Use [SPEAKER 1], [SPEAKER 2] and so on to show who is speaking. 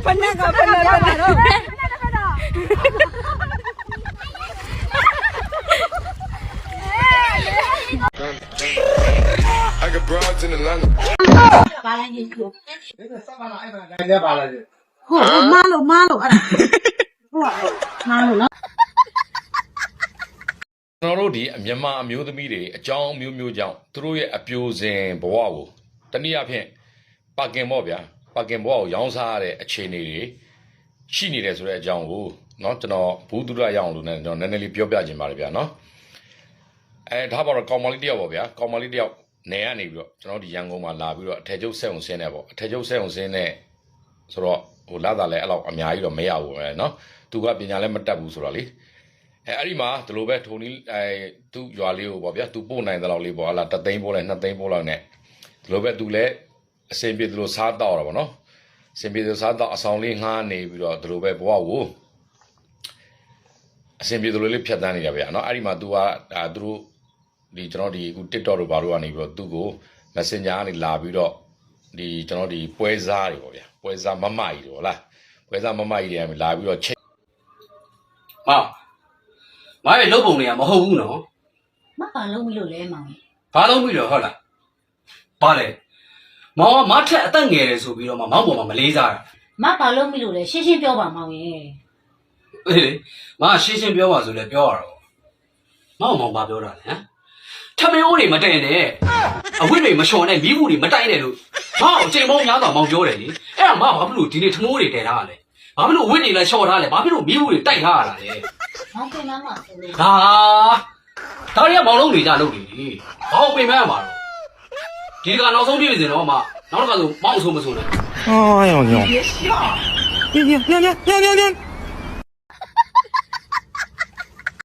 [SPEAKER 1] I got broads in Atlanta.
[SPEAKER 2] ဘာလဲကြီးကို
[SPEAKER 3] ဆက်ပါလားအဲ့ဒါလည်းပါလား
[SPEAKER 2] ဟုတ်မားလို့အဲ့ဒါဟုတ်မားလို့နော်
[SPEAKER 4] ကျွန်တော်တို့ဒီမြန်မာအမျိုးသမီးတွေအကြောင်းမျိုးမျိုးကြောင့်သူတို့ရဲ့အပြိုစင်ဘဝကိုတနည်းအားဖြင့်ပါကင်ပေါ့ဗျာပါကင်ဘဝကိုရောင်းစားရတဲ့အခြေအနေတွေရှိနေတယ်ဆိုတဲ့အကြောင်းကိုเนาะကျွန်တော်ဘူးသူရရအောင်လို့ねကျွန်တော်နည်းနည်းလေးပြောပြခြင်းပါတယ်ဗျာเนาะဒါပါတော့ကောင်မလေးတယောက်ပေါ့ဗျာကောင်မလေးတယောက်နေရနေပြီးတော့ကျွန်တော်ဒီရန်ကုန်မှာလာပြီးတော့အထက်ကျုပ်ဆက်အောင်ဆင်းနေပေါ့အထက်ကျုပ်ဆက်အောင်ဆင်းနေဆိုတော့ဟိုလာတာလည်းအဲ့လောက်အများကြီးတော့မရဘူးပဲเนาะသူကပညာလည်းမတတ်ဘူးဆိုတော့လေအဲ့ဒီမှာဒီလိုပဲထုံနီးသူ့ရွာလေးကိုပေါ့ဗျာသူပို့နိုင်တဲ့လောက်လေးပေါ့ဟာလာ3သိန်းပို့လိုက်2သိန်းပို့လိုက်နဲ့ဒီလိုပဲသူလည်းအစင်ပြေဒီလိုစားတော့တာပေါ့နော်အစင်ပြေဒီလိုစားတော့အဆောင်လေးငှားနေပြီးတော့ဒီလိုပဲဘဝကိုအစင်ပြေဒီလိုလေးဖြတ်တန်းနေရဗျာနော်အဲ့ဒီမှာသူကသူတို့ဒီကျွန်တော်ဒီအခု TikTok တို့ဘာလို့ကနေပြီးတော့သူ့ကို Messenger ကနေလာပြီးတော့ဒီကျွန်တော်ဒီပွဲစားတွေပေါ့ဗျာပွဲစားမမကြီးတွေဟုတ်လားပွဲစားမမကြီးတွေလာပြီးတော့ချိန်
[SPEAKER 5] မရဲ့လုပ်ပုံတွေကမဟုတ်ဘူးနော်
[SPEAKER 2] မပါလုံးမလို့လဲမောင်
[SPEAKER 5] ဘာလုပ်ပြီးတော့ဟုတ်လားဘာလဲမောင်ကမထက်အသက်ငယ်တယ်ဆိုပြီးတော့မောင်ပေါ်မှာမလေးစားတာ
[SPEAKER 2] မပါလုံးမလို့လဲရှင်းရှင်းပြောပါမောင်ရေ
[SPEAKER 5] အေးလေမရှင်းရှင်းပြောပါဆိုလဲပြောရတော့မောင်ဘာပြောတာလဲဟမ်ထမင်းအိုးတွေမတိုင်နဲ့အဝိတွေမလျှော်နဲ့မိဘူးတွေမတိုင်နဲ့လို့မောင်အချိန်ပေါင်းများစွာမောင်ပြောတယ်လေအဲ့ဒါမဘာဖြစ်လို့ဒီနေ့ထမိုးတွေတည်ထားရလဲဘာဖြစ်လို့အဝိတွေလည်းလျှော်ထားလဲဘာဖြစ်လို့မိဘူးတွေတိုက်ထားရတာလဲ
[SPEAKER 2] မောင်ပြန်မှာဆိုလို့
[SPEAKER 5] ဒါရီကမောင်လုံးနေကြလုပ်နေလေဘာကိုပြင်မရမှာတော့ဒီကနောက်ဆုံးပြည့်စင်တော့မှနောက်တစ်ခါဆိုမောင်ဆိုမဆိုနဲ့
[SPEAKER 3] 哎呦呦！别，